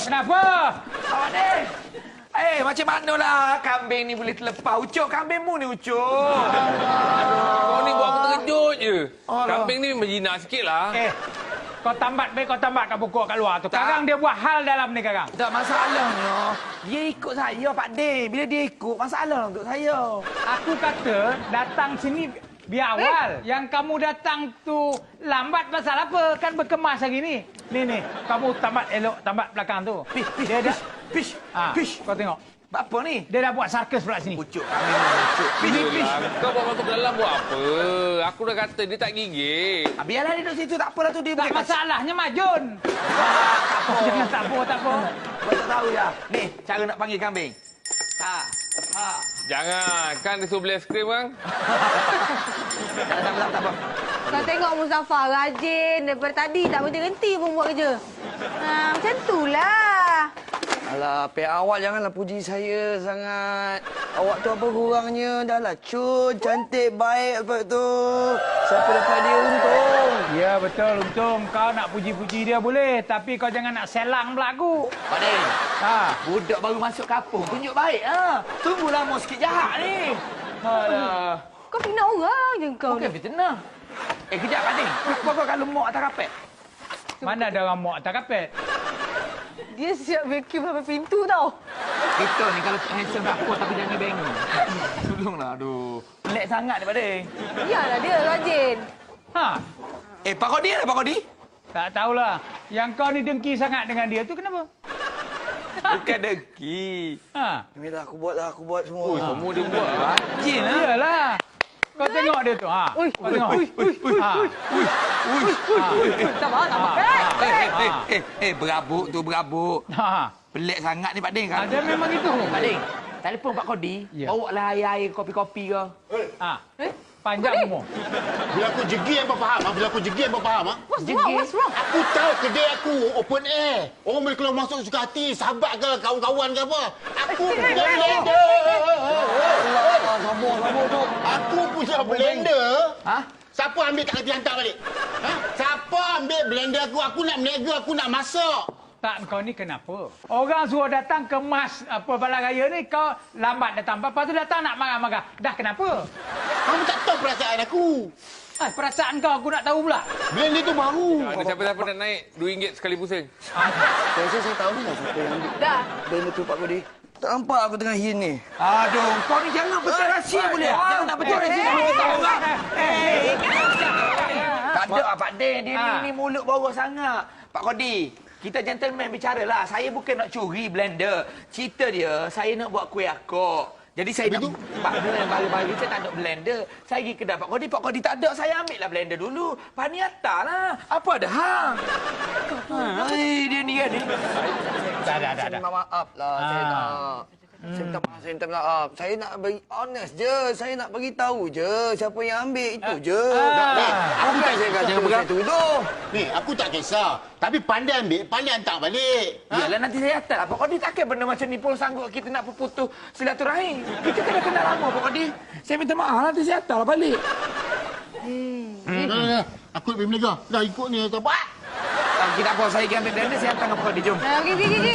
Kenapa? Awak ni. Macam manalah kambing ni boleh terlepas. Ucuk, kambingmu ni Ucuk. Kau ni buat aku terkejut je. Alah. Kambing ni menjinak sikit lah. Kau tambat kau tambat kat pokok kat luar tu. Karang dia buat hal dalam ni Karang. Tak masalahnya. Dia ikut saya, Pak De. Bila dia ikut, masalah untuk saya. Aku kata datang sini biar awal. Yang kamu datang tu lambat pasal apa? Kan berkemas hari ni. Ni, kamu tambat elok, tambat belakang tu. Dia dah Pish. Kau tengok. Apa ni? Dia dah buat sarkas pula sini. Ucuk, kambing ni Ucuk. Pish. Kau bawa masuk ke dalam buat apa? Aku dah kata dia tak gigit. Biarlah dia duduk situ, tak apalah tu dia. Tak masalahnya Majun. Jangan tak apa. Kau tak tahu ya. Ni, cara nak panggil kambing. Ha. Jangan. Kan dia suruh beli aiskrim kan? Tak apa. Kau tengok Muzaffar rajin. Daripada tadi tak berhenti pun buat kerja. Macam itulah. Alah, pihak awak janganlah puji saya sangat. Awak tu apa kurangnya? Dah lah cun, cantik, baik apa tu. Siapa dapat dia untung. Ya betul, untung kau nak puji-puji dia boleh. Tapi kau jangan nak selang pula aku. Pak De. Ha. Budak baru masuk kampung, tunjuk baik ha. Tunggu lama sikit jahat ni. Alah. Kau fitnah orang je kau Bukan ni. fitnah. Kejap Pak De. Kau kalau muak atas kapet. Mana ada orang muak atas kapet? Dia siap vacuum sampai pintu tau. Kita ni kalau handsome dapur tapi jangan bengong. Tolonglah, aduh. Pelik sangat ni Pak De. Biarlah dia rajin. Ha. Pak Kodi ada Pak Kodi? Tak tahulah. Yang kau ni dengki sangat dengan dia tu kenapa? Bukan dengki. Ha. Inilah aku buat semua. Ui, semua dia buat lah. Rajin lah. Iyalah. Kau tengok dia tu. Ha. Kau tengok. Ha. Sabar. Berabuk tu, berabuk. Ha. Pelik sangat ni Pak De. Kan? Ada memang itu. Pak De, telefon Pak Kodi. Ya. Bawa lah air-air, kopi-kopi ke. Ha. Panjang umur. Bila aku jegi apa faham? Bila aku jegi apa faham? What's wrong? Aku tahu kedai aku open air. Orang boleh keluar masuk suka hati, sahabat ke kawan-kawan ke apa. Aku punya blender. Sabar tu. Aku punya blender. Ha? Siapa ambil tak kerti hantar balik? Ha? Siapa ambil blender aku? Aku nak meniaga, aku nak masak. Tak, kau ni kenapa? Orang suruh datang kemas apa balai raya ni, kau lambat datang. Lepas tu datang nak marah-marah. Dah kenapa? Kamu tak tahu perasaan aku. Perasaan kau aku nak tahu pula. Blender tu baru. Ada siapa-siapa nak naik RM2 sekali pusing. Saya tahu dah siapa yang ambil. Dah. Benda tu Pak Kodi. Tak nampak aku tengah hin ni. Aduh, kau ni jangan betul rahsia boleh. Jangan nak betul rahsia. Tak ada Pak De. Dia ni mulut bawah sangat. Pak Kodi, kita gentleman bicara lah. Saya bukan nak curi blender. Cerita dia, saya nak buat kuih akok. Jadi saya nak... Pak De yang baru-baru saya tak ada blender. Saya pergi kedai Pak Kodi tak ada. Saya ambil lah blender dulu. Pak ni lah. Apa ada hang? Dia ni kan ni. Dah. Saya minta maaf lah. Saya minta maaf. Saya nak bagi honest je. Saya nak bagi tahu je siapa yang ambil itu je. Aku tak Saya kata saya tuduh. Ni, aku tak kisah. Tapi pandai ambil, pandai hantar balik. Yalah nanti saya hantar lah. Pak Kodi takkan benda macam ni pun sanggup kita nak berputus silaturahim. Kita kena kenal lama Pak Kodi. Saya minta maaf nanti saya hantar lah balik. Aku lebih meniaga. Dah ikut ni, tak apa. Kita apa saya pergi ambil blender saya hantar dengan Pak Kodi. Jom. Pergi.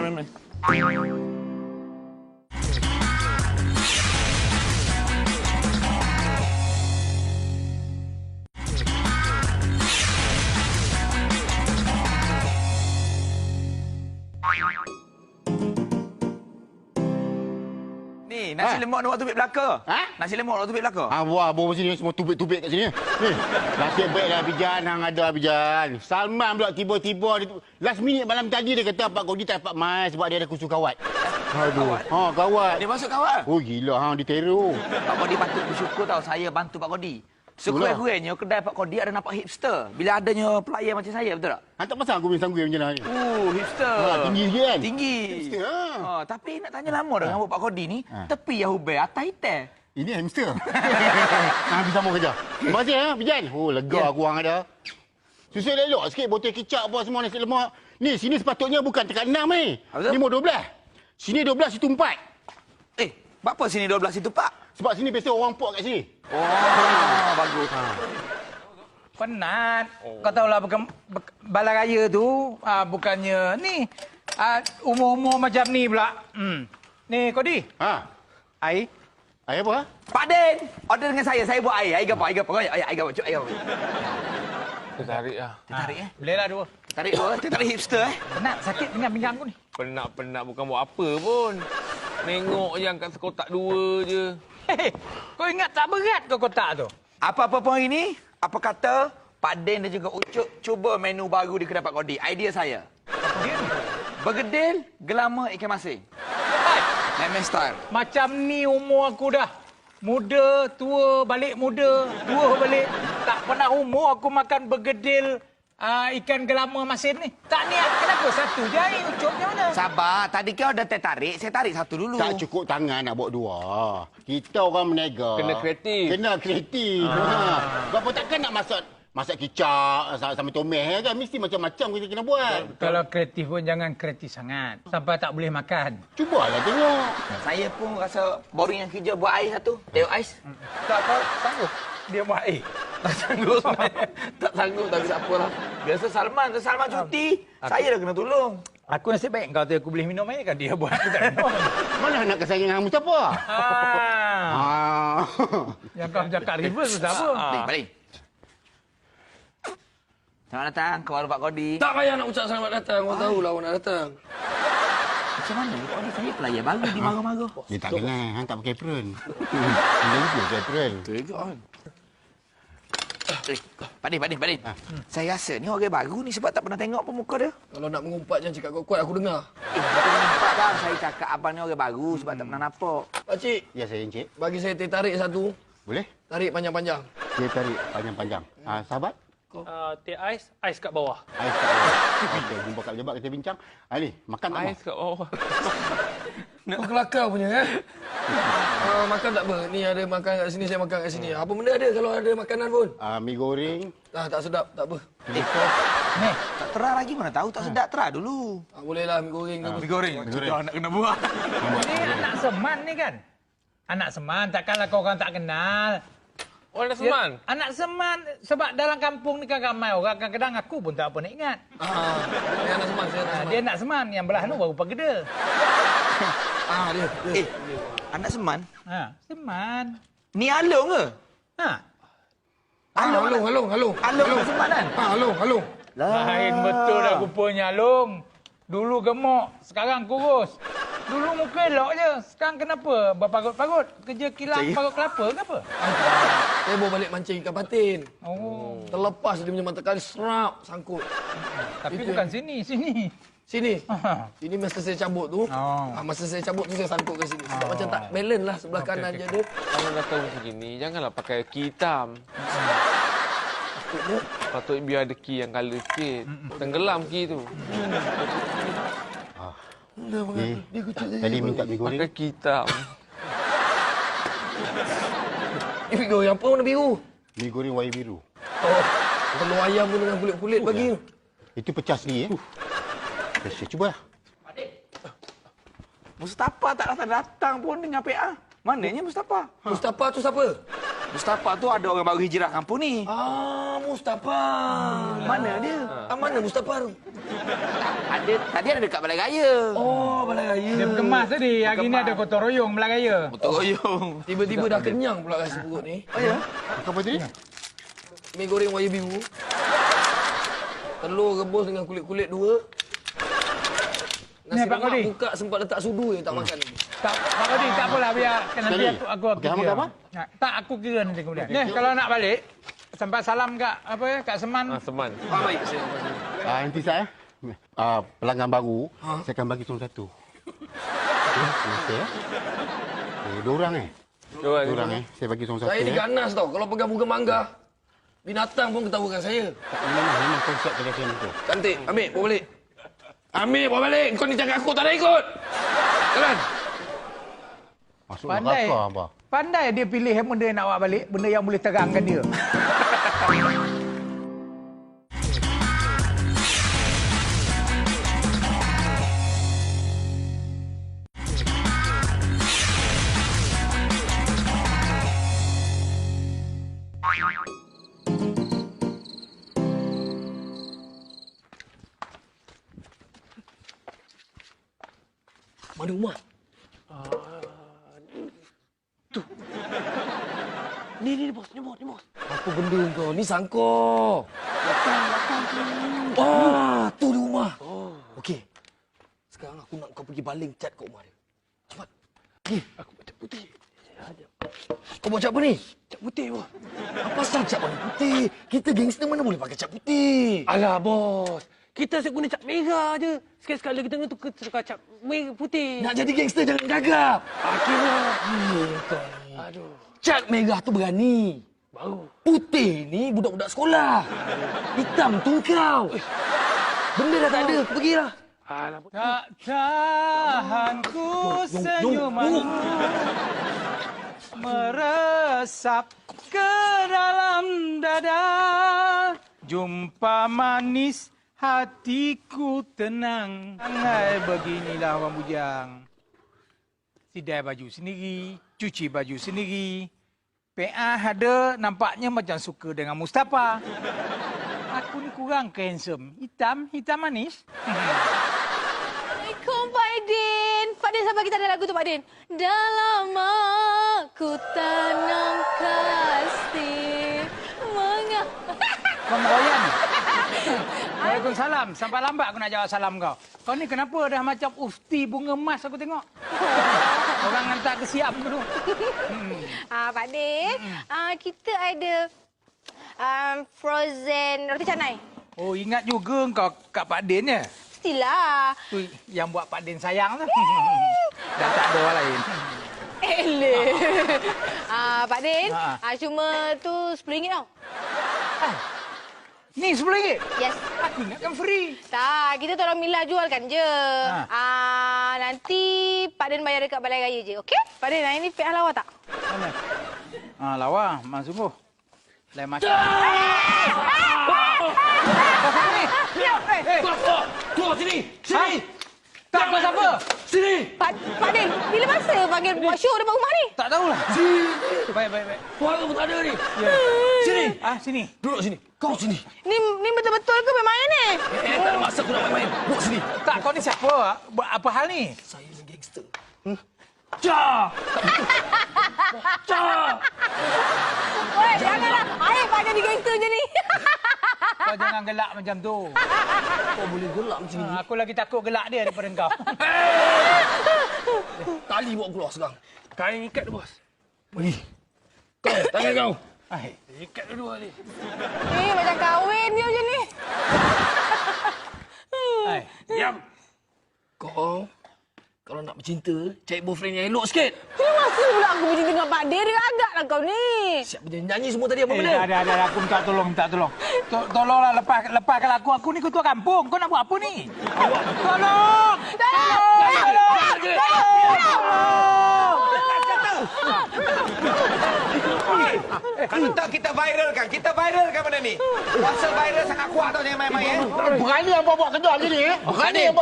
Ni, nasi lemak nak buat tubik belaka. Ha? Nasi lemak nak buat tubik belaka. Wah, bawa sini semua tubik-tubik kat sini. Ni, nasib baiklah Bijan, hang ada Bijan. Salman pula tiba-tiba last minute malam tadi dia kata Pak Kodi tak dapat mai sebab dia ada kursus kawat. Aduh. Kawat. Dia masuk kawan. Oh gila hang diteror. Pak Kodi patut bersyukur tau saya bantu Pak Kodi. Sekurang-kurangnya kedai Pak Kodi ada nampak hipster. Bila adanya pelayan macam saya, betul tak? Hang tak pasal aku sanggui macam ni. Hipster. Tinggi sikit kan? Tinggi. Hipster. Tapi nak tanya lama dah rambut Pak Kodi ni. Tepi yang hubel, atas hitam. Ini hamster. Hang bisa mau kerja. Terima kasih Bijan. Oh lega aku hang ada. Susul elok sikit botol kicap apa semua nasi lemak. Ni sini sepatutnya bukan tekat 6 ni. Ni mau 12. Sini 12 situ 4. Apa sini 12 itu, Pak? Sebab sini biasa orang pok kat sini. Bagus. Penat. Kau tahulah balai raya tu bukannya ni Umur-umur macam ni pula. Ni, Kodi. Ha. Air. Air apa? Pak Den, order dengan saya. Saya buat air. Air apa? Air apa? Air apa? Cuk, air apa? Tertarik lah. Tarik Bolehlah dua. Tarik dua. Tarik hipster Penat, sakit pinggang aku ni. Penat-penat bukan buat apa pun. Nengok je angkat sekotak 2 je. Hei, kau ingat tak berat kau kotak tu? Apa-apa pun hari ni, apa kata Pak Den dan juga Ucup cuba menu baru di kedai Pak Kodi. Idea saya. Apa dia ni? Bergedil, gelama, ikan masin. Hai, Memang style. macam ni umur aku dah. Muda, tua, balik muda, tua balik. Tak pernah umur aku makan bergedil ikan gelama masin ni. Tak niat, kenapa satu je air Ucup macam mana? Sabar, tadi kau dah tertarik, saya tarik satu dulu. Tak cukup tangan nak bawa 2. Kita orang menega. Kena kreatif. Kena kreatif. Sebab apa takkan nak masak kicap sama tomat kan. Mesti macam-macam kita kena buat. Kalau kreatif pun jangan kreatif sangat. Sampai tak boleh makan. Cubalah tengok. Saya pun rasa boring yang kerja buat air satu. Tengok ais. Tak kau sanggup dia buat air. Tak sanggup sebenarnya. Tak sanggup tapi tak apalah. Biasa Salman, Salman cuti. Saya dah kena tolong. Aku nasib baik kau tu aku boleh minum air kan dia buat aku tak minum. Mana nak kesayang dengan Mustafa? Yang kau cakap reverse tu apa? Balik. Selamat datang ke warung Pak Kodi. Tak payah nak ucap selamat datang. Kau tahulah awak nak datang. Macam mana? Pak Kodi saya pelayan baru di marah-marah. Dia tak kenal. Hang tak pakai apron. Dia juga pakai apron. Pak Din. Saya rasa ni orang baru ni sebab tak pernah tengok pun muka dia. Kalau nak mengumpat jangan cakap kuat-kuat aku dengar. Tapi nampak bang, saya cakap abang ni orang baru sebab tak pernah nampak. Pakcik, Ya, saya Encik. bagi saya teh tarik satu. Boleh? Tarik panjang-panjang. Dia tarik panjang-panjang. Sahabat? Teh ais kat bawah. Ais kat bawah. Okey, jumpa kat pejabat kita bincang. Ni, makan tak Ais kat bawah. Kau kelakar punya makan tak apa. Ni ada makan kat sini, saya makan kat sini. Apa benda ada kalau ada makanan pun? Mi goreng. Tak sedap, tak apa. Ni, tak terah lagi mana tahu tak sedap terah dulu. Bolehlah mi goreng tu. Mi goreng. Sudah nak kena buat. Ni anak Seman ni kan? Anak Seman, takkanlah kau orang tak kenal. Oh, ada Seman? Ya, anak Seman, sebab dalam kampung ni kan ramai orang. Kadang-kadang aku pun tak apa nak ingat. Saya anak Seman, saya anak Seman. Dia anak Seman, yang belah tu baru Pageda. Dia. Anak Seman. Seman. Ni Along ke? Along. Along Seman kan? Along. Lain betul dah rupanya, Long. Dulu gemuk, sekarang kurus. Dulu muka elok je. Sekarang kenapa berparut-parut? Kerja kilang parut kelapa ke apa? Saya bawa balik mancing ikan patin. Oh, Terlepas dia punya mata kali serap sangkut. tapi Itu bukan sini. Sini. Ini masa saya cabut tu. Oh. Masa saya cabut tu saya sangkut ke sini. Sebab macam tak balance lah sebelah kanan je dia. Kalau dah tahu macam gini, janganlah pakai ki hitam. Patut biar ada ki yang colour sikit. Tenggelam ki tu. Ni, tadi minta mi goreng. Pakai ki hitam. Ini mi goreng apa warna biru? Mi goreng warna biru. Telur ayam pun dengan kulit-kulit bagi. Itu pecah sendiri. Saya cuba lah. Mustafa tak datang pun dengan PA. Mananya Mustafa? Mustafa tu siapa? Mustafa tu ada orang baru hijrah kampung ni. Mustafa. Mana dia? Mana Mustafa tu? Ada tadi ada dekat Balai Raya. Oh, Balai Raya. Dia berkemas tadi. Hari ni ada gotong royong Melaka Raya. Betul royong. Tiba-tiba dah kenyang pula rasa perut ni. Oh ya? Apa tadi? Mi goreng warna biru. Telur rebus dengan kulit-kulit 2. Nasi Pak Kodi. lemak buka sempat letak sudu je tak makan lagi. Tak, Pak Kodi, tak apalah. Biar nanti Sekali. aku Okey, hang kira. makan apa? Tak, aku kira nanti kemudian. Ni, kalau nak balik, sampai salam kat kat Seman. Seman. Baik, saya. Nanti saya pelanggan baru, saya akan bagi seorang satu. Okey. Dua orang Dua orang Saya bagi seorang satu. Saya diganas tau. Kalau pegang bunga mangga, binatang pun ketawakan saya. Memang konsep kedai saya tu. Cantik. Ambil, bawa balik. Ambil, bawa balik. Kau ni cakap aku tak nak ikut. Jalan. Masuk Pandai. neraka apa? Pandai dia pilih benda yang nak bawa balik. Benda yang boleh terangkan dia. Mana rumah? Tu. Ni bos, ni bos. Apa benda kau? Ni sangkor. Wah, tu di rumah. Okey. Sekarang aku nak kau pergi baling cat kat rumah dia. Cepat. Pergi. Aku cat putih. Kau buat cat apa ni? Cat putih, bos. Apa pasal cat warna putih? Kita gangster mana boleh pakai cat putih? Alah, bos. Kita asyik guna cat merah je. Sekali-sekala kita kena tukar cat merah putih. Nak jadi gangster jangan gagap. Akhirnya. Kau ni. Aduh. Cat merah tu berani. Baru. Putih ni budak-budak sekolah. Hitam tu kau. Benda dah tak ada. Aku pergilah. Alah, bos. Tak tahan ku senyumanmu meresap ke dalam dada. Jumpa manis hatiku tenang. Angai beginilah Abang Bujang. Sidai baju sendiri, cuci baju sendiri. PA ada nampaknya macam suka dengan Mustafa. Aku ni kurang ke handsome. Hitam manis. Assalamualaikum Pak Din. Pak Din, sabar, kita ada lagu tu Pak Din. Dalam aku tanam kasih Kau meroyan ni? Waalaikumsalam. Sampai lambat aku nak jawab salam kau. Kau ni kenapa dah macam ufti bunga emas aku tengok? Orang hantar ke Siam ke tu? Pak Din, kita ada frozen roti canai. Oh, ingat juga kau Kak Pak Din ya? Mestilah. Tu yang buat Pak Din sayang tu. Dah tak ada orang lain. Eleh. Pak Din, cuma tu RM10 tau. Ni RM10? Yes. Aku ingatkan free. Tak, kita tolong Mila jualkan je. Nanti Pak Din bayar dekat Balai Raya je, okey? Pak Din, hari ni pihak lawa tak? Mana? Lawa, memang sungguh. Lain macam. Kau siapa ni? Keluar sini. Sini. Tak, kau siapa? Sini. Pak Din, bila masa panggil buat show depan rumah ni? Tak tahulah. Sini. Baik. Suara pun tak ada ni. Ya. Sini. Sini. Duduk sini. Kau sini. Ni betul-betul ke main-main ni? Tak ada masa aku nak main-main. Duduk sini. Tak, kau ni siapa? Apa hal ni? Saya ni gangster. Cah! Cah! Weh, janganlah. Aib Pak jadi gangster je ni. Kau jangan gelak macam tu. Kau boleh gelak macam ni. Aku lagi takut gelak dia daripada kau. Tali bawa keluar sekarang. Kain ikat tu, bos. Pergi. Kau, tangan kau. Ikat dua ni. Macam kahwin dia macam ni. Diam. Kau, kalau nak bercinta, cari boyfriend yang elok sikit. Bila masa pula aku bercinta dengan Pak Din? Dia agaklah kau ni. Siap bernyanyi semua tadi apa benda? Ada. Aku minta tolong. Tolonglah lepaskan aku. Aku ni ketua kampung. Kau nak buat apa ni? Tolong! Kalau tak kita viralkan benda ni. Pasal viral sangat kuat tau, jangan main-main. Berani apa buat kerja ni ni? Berani apa?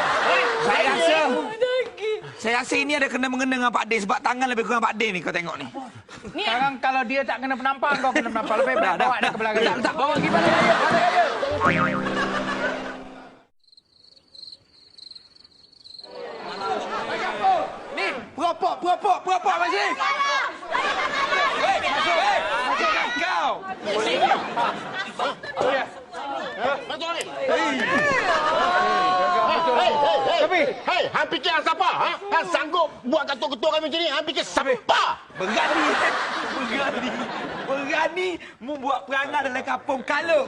Saya rasa ini ada kena-mengena dengan Pak Din sebab tangan lebih kurang Pak Din ni, kau tengok ni. Sekarang kalau dia tak kena penampar, kau kena penampar. Lebih baik bawa dia ke belakang. Tak, bawa pergi balik. Ni, puropok masih. Kau. Hei, hang fikir hang siapa? Hang sanggup buat ketua-ketua kami macam ni? Hang fikir siapa? Berani membuat perangai dalam kampung Kalung.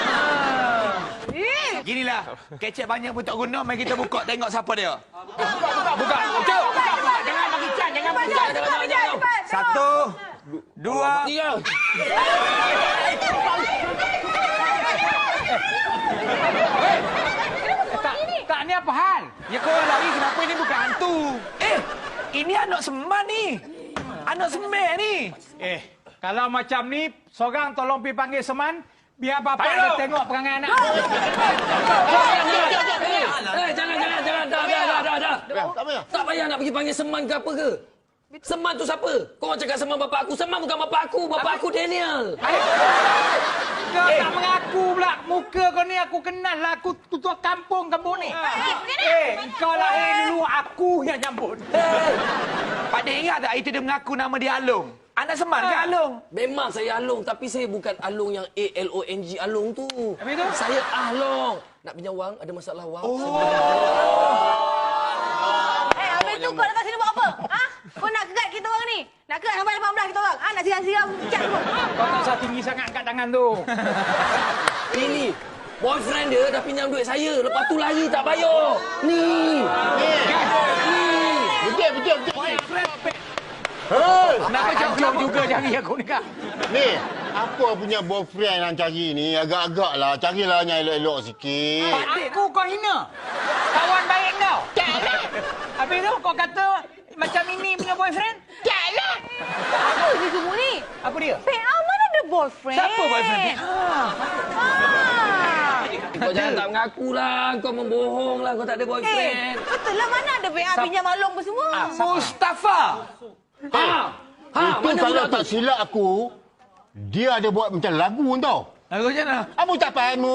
Ginilah, kecek banyak pun tak guna, mari kita buka tengok siapa dia. Buka. Jangan bagi can, jangan bagi can. Satu, dua, Tiga. Tak, ni apa hal? ya kau lari kenapa ini bukan hantu? Ini anak seman ni. Anak semen ni. Kalau macam ni, seorang tolong pergi panggil Seman, biar bapak dia tengok perangai anak. Jangan. Dah. Tak payah nak pergi panggil Seman ke apa ke. Seman tu siapa? Kau orang cakap Seman bapak aku. Seman bukan bapak aku. Bapak aku Daniel. Kau tak mengaku pula. Muka kau ni aku kenal lah. Aku ketua kampung ni. Kau lahir dulu aku yang nyambut. Pak De ingat tak itu dia mengaku nama dia Along? Anak Semar ke Along? Memang saya Along, tapi saya bukan Along yang A-L-O-N-G Along tu. Habis tu? Saya Ahlong. Nak pinjam wang, ada masalah wang. Habis tu kau datang sini buat apa? Ha? Kau nak kegat kita orang ni? Nak kegat sampai 18 kita orang? Ha? Nak siram-siram cat semua? Kau tak usah tinggi sangat angkat tangan tu. Ini, boyfriend dia dah pinjam duit saya. Lepas tu lari tak bayar. Ni. Betul. Kenapa jauh-jauh juga jari aku ni, Kak? Ni, apa punya boyfriend yang cari ni? Agak-agak lah. Carilah yang elok-elok sikit. Aku kau hina. Kawan baik kau. Habis tu kau kata macam ini punya boyfriend? Taklah. Apa ni semua ni? Apa dia? PA mana ada boyfriend? Siapa boyfriend? Kau jangan tak mengaku lah. Kau membohong lah. Kau tak ada boyfriend. Betul lah mana ada PA pinjam Along apa semua? Mustafa. Itu mana kalau budak tak tu? silap aku, dia ada buat macam lagu tau. Lagu macam mana? Mustafar.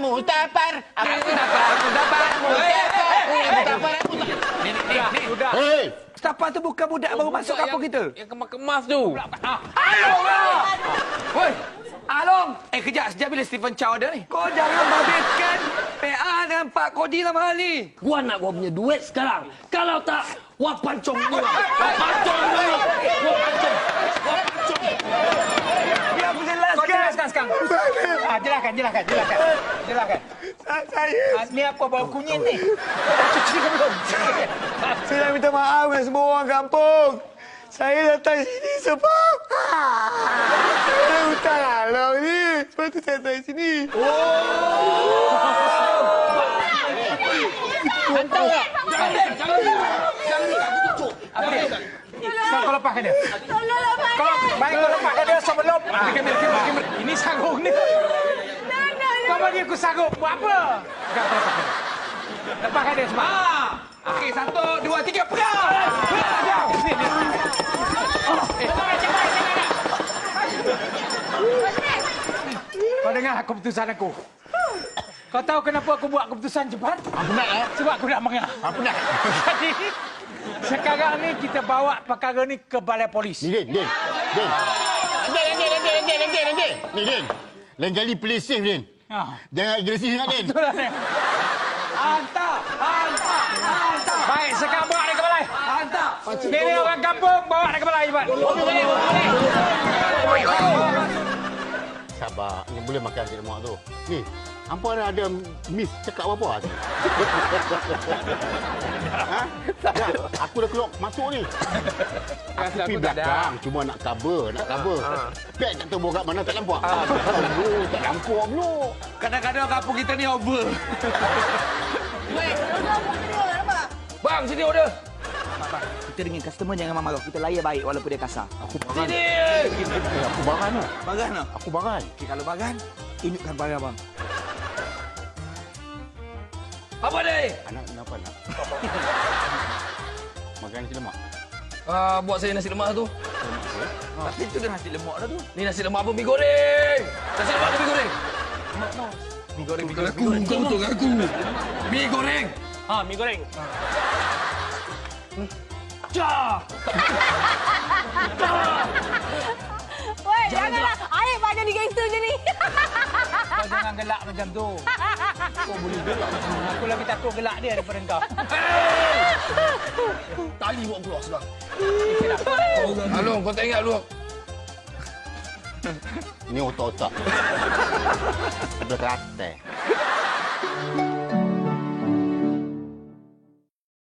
Sudah. Hei, Mustafa tu bukan budak baru masuk kampung kita. Yang kemas-kemas tu. Along lah! Woi, Along! Kejap. Sejak bila Stephen Chow ada ni? Kau jangan babitkan PA dengan Pak Kodi dalam hal ni. Gua nak gua punya duit sekarang. Kalau tak, wah pancong gua. Wah pancong gua. Wah pancong. Biar aku Kau jelaskan. jelaskan sekarang. Jelaskan. Saya Ni apa bau kunyit ni? Cuci ke belum? Saya nak minta maaf dengan semua orang kampung. Saya datang sini sebab saya hutang Along ni. Sebab tu saya datang sini. Hantar tak? Apa dia? Kau lepaskan dia. Tolong lepaskan. Baik kau lepaskan dia sebelum. Kamera. Ini sarung ni. Kau bagi aku sarung. Buat apa? Lepaskan dia semua. Okey, 1, 2, 3, pegang! Kau dengar keputusan aku. Kau tahu kenapa aku buat keputusan cepat? penat Sebab aku nak mengah. penat. Jadi, sekarang ni kita bawa perkara ni ke balai polis. Ni, Din. Ni, Din. Lain kali play safe, Din. Ha. Jangan agresif sangat, Din. Betul lah, Nek. Hantar! Baik, sekarang bawa dia ke balai. Hantar. Ini orang kampung, bawa dia ke balai cepat. Sabar. Ni boleh makan si lemak tu. Ni, hampa ada miss cakap apa-apa? Ha? Aku dah keluar masuk ni. Aku pergi belakang. Cuma nak cover. Pek tak tahu bawa kat mana, tak nampak. Tak nampak pula. Kadang-kadang kampung kita ni over. Bang, sini order. Kita dengan customer jangan marah. Kita layan baik walaupun dia kasar. Aku baran. Sini. Aku baran lah. Bagan tak? Aku baran. Okey, kalau bagan, tunjukkan bagan bang. Apa ni? Anak kenapa nak? Makan nasi lemak. Buat saya nasi lemak tu. Tapi tu dah nasi lemak dah tu. Ni nasi lemak apa? Mi goreng. Nasi lemak apa mi goreng? Mi goreng. Kau betul aku. Mi goreng. Mi goreng. Woi, janganlah. Aib banyak jadi gangster je ni. Kau jangan gelak macam tu. Kau boleh gelak. Aku lagi takut gelak dia daripada kau. Tali buat keluar sekarang. Along, kau tak ingat lu? Ni otak-otak. Ada kerate.